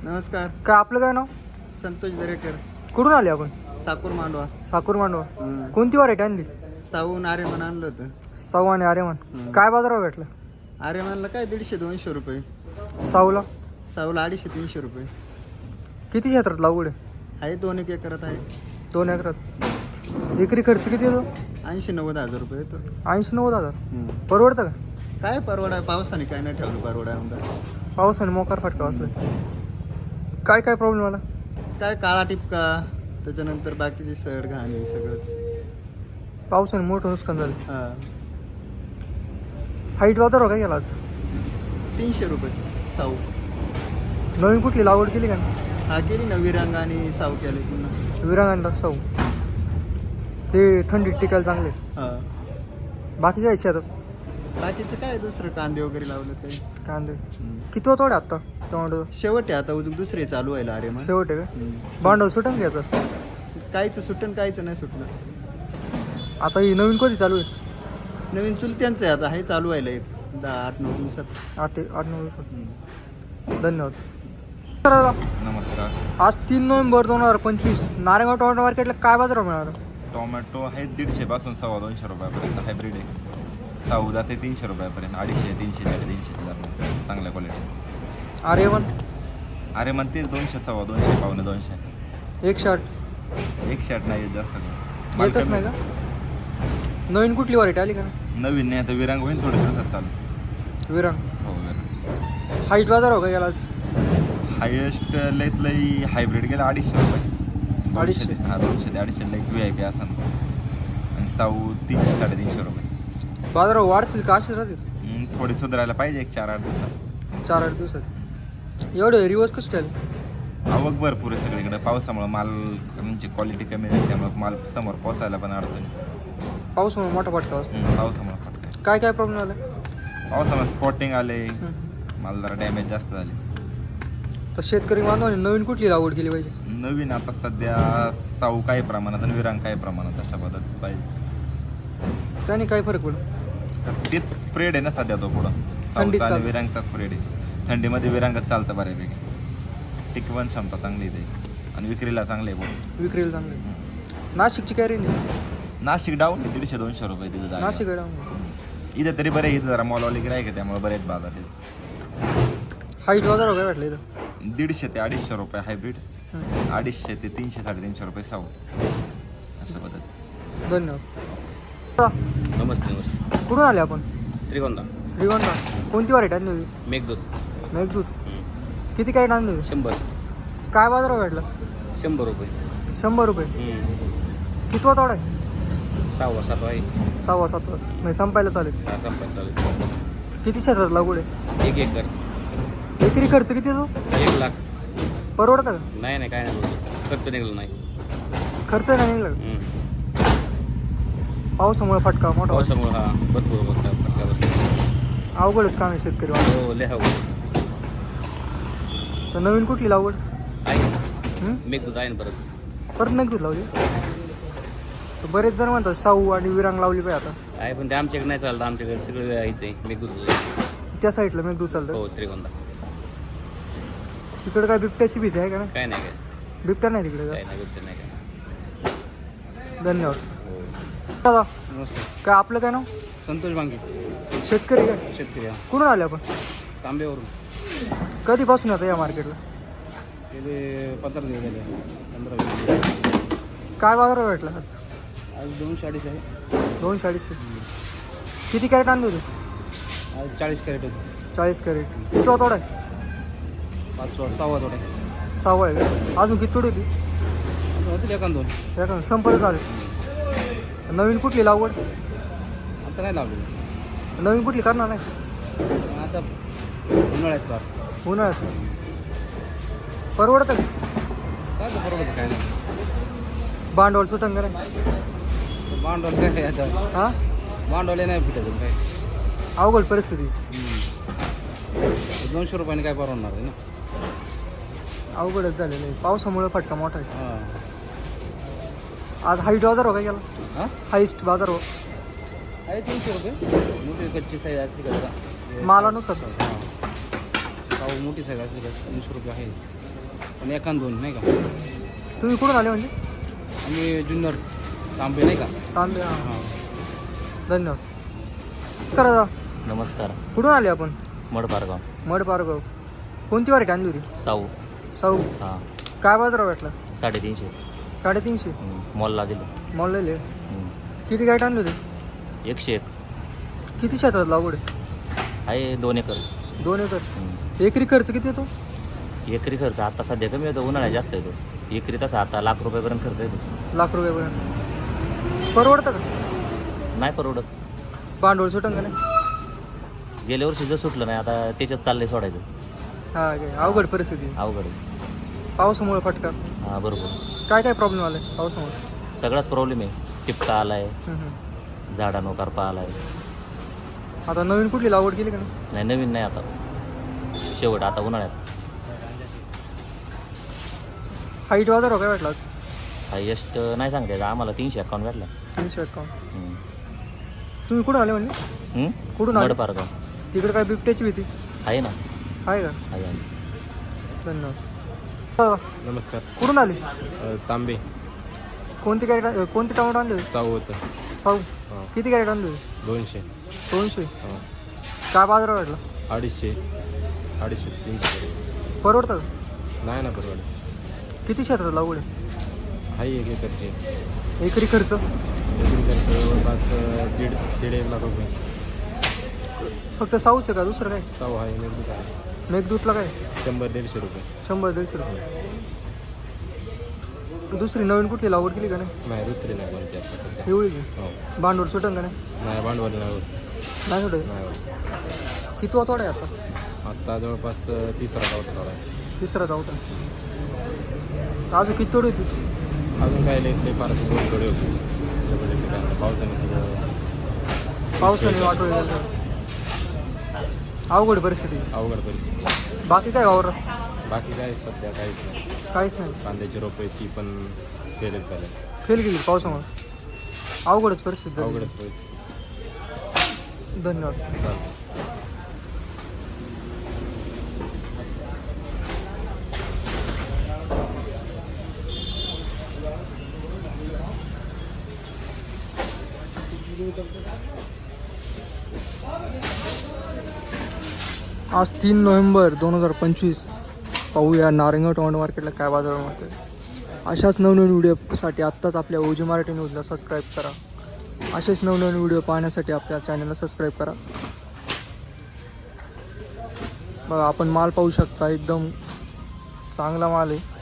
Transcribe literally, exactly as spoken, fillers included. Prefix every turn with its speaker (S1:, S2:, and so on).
S1: नमस्कार.
S2: काय आपलं काय नाव?
S1: संतोष दरेकर.
S2: कुठून आले आपण?
S1: साकूर मांडवा.
S2: साकूर मांडवा.
S1: हम्म.
S2: कोणती व्हरायटी आणली?
S1: साऊन आर्यमान आणलं होतं.
S2: साऊ आणि आर्यमान.
S1: हम्म.
S2: काय बाजारावर भेटलं?
S1: आर्यमानला काय दीडशे दोनशे रुपये.
S2: साऊला
S1: साऊला अडीचशे तीनशे रुपये.
S2: किती क्षेत्रात लागवड आहे?
S1: आहे दोन एक एकरात आहे.
S2: दोन एकरात. एकरी खर्च किती येतो?
S1: ऐंशी नव्वद हजार रुपये येतो.
S2: ऐंशी नव्वद हजार.
S1: हम्म.
S2: परवडतं का?
S1: काय परवडा पावसाने काय नाही ठेवलं परवडा आमदार.
S2: पावसाने मोकार फटका बसला. काय काय प्रॉब्लेम आला?
S1: काय काळा टिपका त्याच्यानंतर बाकीची सड घाण हे सगळंच.
S2: पावसाने मोठं नुकसान झालं.
S1: हा.
S2: हाईट बाजारावर काय गेला आज?
S1: तीनशे रुपये साऊ.
S2: नवीन कुठली लागवड केली का?
S1: हा केली ना विरांग आणि साऊ केले पुन्हा.
S2: विरांगांना साऊ ते थंडीत टिकायला चांगले.
S1: हा.
S2: बाकी काय शेतात?
S1: बाकीचं काय दुसरं कांदे वगैरे लावलं काही.
S2: कांदे किती होतो आता टोमॅटो?
S1: शेवट आहे आता उजून दुसरे चालू व्हायला अरे मग.
S2: शेवट आहे का? भांडवल सुटून घ्यायचं.
S1: काहीच सुटण काहीच नाही सुटलं.
S2: आता ही नवीन कधी चालू आहे?
S1: नवीन चुलत्यांचं आहे आता हे चालू व्हायला एक दहा आठ नऊ दिवसात.
S2: आठ आठ नऊ दिवसात. धन्यवाद. तर दादा,
S3: नमस्कार.
S2: आज तीन नोव्हेंबर दोन हजार पंचवीस नारायणगाव टोमॅटो मार्केटला काय बाजार मिळाला?
S3: टोमॅटो आहे दीडशे पासून सव्वा दोनशे रुपयापर्यंत हायब्रिड आहे. साऊ जाते तीनशे रुपयापर्यंत, अडीचशे तीनशे साडेतीनशे दरम्यान चांगल्या क्वालिटी.
S2: अरे वन
S3: अरे मग तेच दोनशे सव्वा दोनशे पावणे दोनशे.
S2: एकशे आठ
S3: एकशे आठ नाही येत जास्त करून.
S2: येतच नाही का? नवीन कुठली व्हरायटी आली का?
S3: नवीन नाही आता विरांग होईल थोड्या दिवसात चालू.
S2: विरांग.
S3: हो विरांग.
S2: हाईट बाजार हो का गेला आज?
S3: हायेस्ट लईत लई हायब्रिड गेला अडीचशे रुपये.
S2: अडीचशे?
S3: दोनशे ते- हा दोनशे ते अडीचशे लई व्ही आय पी असं. आणि साऊ तीनशे साडेतीनशे रुपये.
S2: बाजार वाढतील का असेच राहतील?
S3: हम्म, थोडी सुधारायला पाहिजे एक चार आठ दिवसात.
S2: चार आठ दिवसात. एवढे रिवर्स कसं केलं?
S3: आवक भरपूर आहे सगळीकडे. पावसामुळे माल म्हणजे क्वालिटी कमी झाली त्यामुळे माल समोर पोचायला पण अडचण.
S2: पाऊसमुळे मोठा फटका बसला.
S3: हम्म, पावसामुळे फटका.
S2: काय काय प्रॉब्लेम आला?
S3: पावसामुळे स्पॉटिंग आले, माल जरा डॅमेज जास्त झाले.
S2: तर शेतकरी बांधवांनी नवीन कुठली लागवड केली पाहिजे?
S3: नवीन आता सध्या साऊ काही प्रमाणात आणि विरांग काही प्रमाणात अशा पद्धतीत पाहिजे.
S2: त्याने काय फरक पडला?
S3: तर तेच स्प्रेड आहे ना सध्या तो पुढं.
S2: थंडीत
S3: साऊचा आणि
S2: चालतं.
S3: विरांगचा स्प्रेड आहे. थंडीमध्ये विरांगच चालतं बऱ्यापैकी. टिकवण क्षमता चांगली आहे आणि विक्रीला चांगली आहे पुढं.
S2: विक्रीला चांगले. नाशिकची काय रेंज आहे?
S3: नाशिक डाऊन आहे दीडशे दोनशे रुपये तिथं जागा.
S2: नाशिक आहे.
S3: इथं तरी बरे इथं जरा मॉलवाली गिरायक आहे त्यामुळे बरेच बाजार आहेत.
S2: हाईट बाजार काय वाटलं इथं?
S3: दीडशे ते अडीचशे रुपये हायब्रिड, अडीचशे ते तीनशे साडेतीनशे रुपये साऊ अशा पद्धत.
S2: धन्यवाद.
S4: नमस्ते नमस्ते.
S2: कुठून आले आपण?
S4: श्रीगोंदा.
S2: श्रीगोंदा. कोणती व्हरायटी आणली होती?
S4: मेघदूत.
S2: मेघदूत. किती काय आणली होती?
S4: शंभर.
S2: काय बाजारावर भेटला?
S4: शंभर रुपये.
S2: शंभर रुपये. किती तोडा आहे?
S4: सहावा सातवा आहे.
S2: सहावा सात वाजता म्हणजे संपायला चालेल.
S4: हा संपायला चालेल.
S2: किती क्षेत्रात लागवड आहे?
S4: एक एकर.
S2: एकरी खर्च किती येतो?
S4: एक लाख.
S2: परवडतं का?
S4: नाही नाही काय नाही बोलतो. खर्च निघाला नाही.
S2: खर्च नाही निघला का?
S4: हम्म.
S2: पावसामुळे फटका मोठा बसला.
S4: पावसामुळे हा भरपूर फटका फटका बसला.
S2: अवघडच काम आहे शेतकरी बांधव.
S4: हो लिहा
S2: तर नवीन कुठली लागवड?
S4: आहे ना.
S2: हं?
S4: मेघदूत आहे ना परत.
S2: परत मेघदूत लावली. तर बरेच जण म्हणतात साऊ आणि विरांग लावली पाहिजे आता.
S4: आहे पण ते आमच्याकडे नाही चालतं. आमच्याकडे सगळं यायचं आहे मेघदूत.
S2: त्या साईडला मेघदूत चालतं.
S4: हो श्रीगोंदा.
S2: तिकडे काय बिबट्याची भीती आहे का? नाही
S4: काय नाही काय
S2: बिबट्या नाही तिकडे
S4: काय
S2: जास्त.
S4: नाही बिबटे नाही काय.
S2: धन्यवाद.
S4: हो.
S2: दादा,
S1: नमस्कार.
S2: काय आपलं काय नाव?
S1: संतोष बांगे.
S2: शेतकरी काय?
S1: शेतकरी.
S2: कुठून आले आपण?
S1: तांब्यावरून.
S2: कधीपासून आता या मार्केटला?
S1: गेले पंधरा दिवस झाले. पंधरा वीस दिवस.
S2: काय बाजार भेटला आज?
S1: आज दोनशे अडीच आहे.
S2: दोनशे अडीचशे. किती कॅरेट आणली होती?
S1: आज चाळीस कॅरेट होते.
S2: चाळीस कॅरेट. किती तोडा आहे?
S1: पाचवा सहावा थोडा
S2: सहावा आहे का? अजून किती तोडी होती?
S1: होतील एखाद दोन.
S2: एका संपलं चालेल. नवीन कुठली लागवड?
S1: आता नाही लावले.
S2: नवीन कुठली करणार नाही?
S1: आता उन्हाळ्यात का
S2: उन्हाळ्यात. परवडतं का?
S1: काय तर बरोबर काय नाही.
S2: भांडवल सुटंग का नाही?
S1: भांडवल काय आता
S2: हां
S1: भांडवल नाही फिटायचं काय.
S2: अवघड परिस्थिती.
S1: दोनशे रुपयाने काय परवडणार आहे ना.
S2: अवघडच झालेलं आहे. पावसामुळे फटका मोठा आहे.
S1: हां.
S2: आज हाईट बाजार हो का गेला?
S1: हां
S2: हाईस्ट बाजार हो.
S1: आहे तीनशे रुपये. मोठी कच्ची साईज असली का जरा
S2: मालानुसार.
S1: हां. पाऊ मोठी साईज असली का तीनशे रुपये आहे.
S4: आणि एकान दोन नाही का
S2: तुम्ही कुठून आले म्हणजे?
S4: आम्ही जुन्नर तांबे नाही का
S2: तांबे हां
S4: हां
S2: धन्यवाद. करा दादा.
S5: नमस्कार.
S2: कुठून आले आपण?
S5: मडपारगाव.
S2: मड पारगाव. कोणती वारटी आणली होती?
S5: साऊ.
S2: साऊ.
S5: हां.
S2: काय बाजार भेटला?
S5: साडेतीनशे.
S2: साडेतीनशे.
S5: मॉलला दिलं.
S2: मॉल लिहिले.
S5: हम्म.
S2: किती गाईट आणली होती?
S5: एकशे एक.
S2: किती शेतात लागवड आहे?
S5: आहे दोन एकर.
S2: दोन एकर.
S5: हम्म.
S2: एकरी खर्च किती येतो?
S5: एकरी खर्च आता सध्या कमी येतो, उन्हाळ्यात जास्त येतो. एकरी तसा आता लाख रुपयापर्यंत खर्च येतो.
S2: लाख रुपयापर्यंत. परवडतं का?
S5: नाही परवडत.
S2: भांडवल सुटंग का नाही?
S5: गेल्या वर्षी जर सुटलं नाही, आता त्याच्याच चाललंय सोडायचं.
S2: हां काय अवघड परिस्थिती.
S5: अवघड आहे.
S2: पावसामुळे फटका.
S5: हां बरोबर.
S2: काय काय प्रॉब्लेम आले पावसामुळे?
S5: सगळाच प्रॉब्लेम आहे. टिपका आलाय,
S2: हम्म, हम्म.
S5: झाडांनो करपा आलाय.
S2: आता नवीन कुठली लागवड केली का नाही?
S5: नाही नवीन नाही आता, शेवट आता उन्हाळ्यात.
S2: हाईट बाजार काय भेटला आज?
S5: हायेस्ट नाही सांगता येत आम्हाला, तीनशे अकाउंट भेटला.
S2: तीनशे अकाउंट.
S5: हम्म.
S2: तुम्ही कुठून आले म्हणजे?
S5: हम्म?
S2: कुठून आले?
S5: मडपारगाव.
S2: तिकडे काय बिबट्याची भीती
S5: आहे ना.
S2: आहे का?
S5: आहे आहे.
S2: धन्यवाद.
S6: नमस्कार.
S2: कुठून आले?
S6: तांबे.
S2: कोणती कॅरेट कोणते टमाटो आणले?
S6: साऊ होतं.
S2: साऊ.
S6: हां.
S2: किती कॅरेट आणले?
S6: दोनशे.
S2: दोनशे.
S6: हां.
S2: काय बाजार भेटला?
S6: अडीचशे अडीचशे तीनशे.
S2: परवडतं का?
S6: नाही ना परवडत.
S2: किती क्षेत्रात लागवड आहे?
S6: आहे एक एकरचे.
S2: एकरी खर्च?
S6: एकरी खर्च जवळपास दीड दीड एक लाख रुपये.
S2: फक्त साऊच आहे का दुसरं काय?
S6: साऊ आहे मेघदूत आहे.
S2: मेघदूतला काय?
S6: शंभर दीडशे रुपये.
S2: शंभर दीडशे रुपये. दुसरी नवीन कुठली लागवड केली का नाही?
S6: नाही दुसरी नाही कोणती आता सध्या.
S2: एवढी की?
S6: हो.
S2: भांडवल सुटंग का नाही?
S6: नाही भांडवल नाही होत.
S2: नाही सुटत.
S6: नाही होत.
S2: किती वातोड आहे आता?
S6: आत्ता जवळपास तिसरा गावचा थोडा आहे.
S2: तिसरा चौथा. अजून किती तोड होती?
S6: अजून काय लई फार दोन थोडे होते. त्याच्यामुळे ते काय पावसाने सगळं
S2: पावसाने वाटोळी झालं. अवघड परिस्थिती.
S6: अवघड परिस्थिती.
S2: बाकी काय वावर?
S6: बाकी काय सध्या काहीच नाही.
S2: काहीच नाही.
S6: कांद्याची रोपं ती पण फेलच झाले.
S2: फेल गेली पावसामुळे. अवघडच परिस्थिती झाली.
S6: अवघडच परिस्थिती.
S2: धन्यवाद.
S6: चालतं.
S2: आज तीन नोव्हेंबर दोन हजार पंचवीस. पाहूया नारायणगाव टोमॅटो मार्केटला काय बाजार मिळते. अशाच नवनवीन व्हिडिओसाठी आत्ताच आपल्या ओजी मराठी न्यूजला सबस्क्राईब करा. असेच नवनवीन व्हिडिओ पाहण्यासाठी आपल्या चॅनलला सबस्क्राईब करा. बघा आपण माल पाहू शकता, एकदम चांगला माल आहे.